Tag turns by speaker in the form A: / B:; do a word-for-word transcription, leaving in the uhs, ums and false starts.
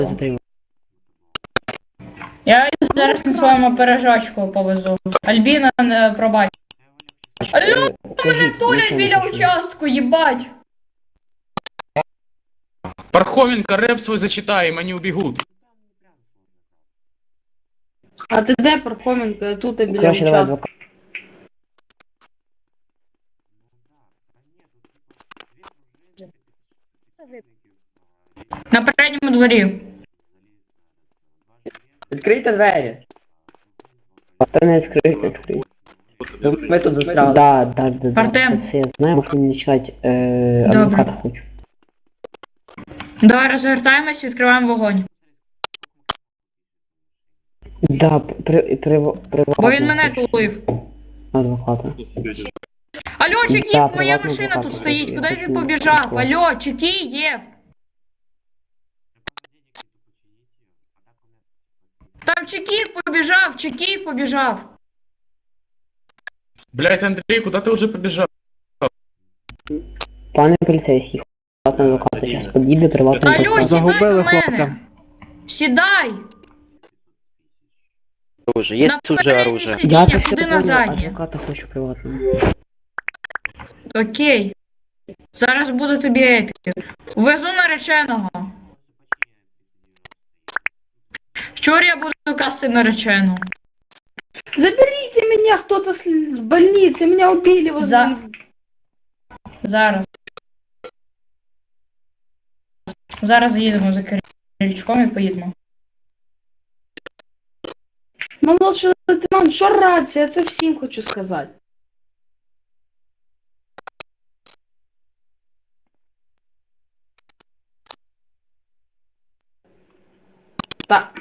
A: Я зараз на своєму пирожочку повезу. Альбіна, не пробач. Алло, мене тулять біля участку, їбать!
B: Пархоменко, реп свой зачитай, им они убегут.
C: А ти де, Пархоменко? Я тут і біля
D: Краще давай
C: участку.
D: адвокат.
A: На передньому дворі.
E: Відкрийте двері.
D: Та не відкрити, відкрити.
E: Ми тут застряли.
D: Да, да, да, да.
A: Артем.
D: Це я знаю, можу не читати, е,
A: Добре.
D: адвоката хочу.
A: Давай розвертаємось, відкриваємо вогонь.
D: Да, при, при, при,
A: Бо він мене тулив.
D: адвоката.
A: Алло,
D: Да,
A: Чекіїв, моя
D: приватний
A: машина
D: адвокат
A: тут
D: хочу,
A: стоїть,
D: я
A: куди
D: хочу
A: ти
D: на
A: побіжав?
D: адвоката.
A: Алло, Чекіїв! Там Чекіїв побіжав, Чекіїв побіжав.
B: Блять, Андрей, куда ты уже побежал?
D: Пане поліцейський, приватний адвокат, зараз підійде приватний
A: Алло,
D: адвокат.
A: сідай до
F: Загубили
A: мене.
F: хлопця.
A: Сідай!
G: Оружие. Есть
A: На
G: уже
A: переднє
G: оружие.
D: Я
A: сидіння,
D: так
A: куди
D: все
A: на
D: понял,
A: заднє.
D: адвоката хочу приватного.
A: Окей. Зараз буде тобі епік. Везу нареченого. Вчора я буду касти наречену.
C: Заберите меня, кто-то с с больницы, меня убили возле...
A: За- Зараз. Зараз їдемо за Киричком і поїдемо.
C: Молодший лейтенант, що рація? Це всім хочу сказати. Так.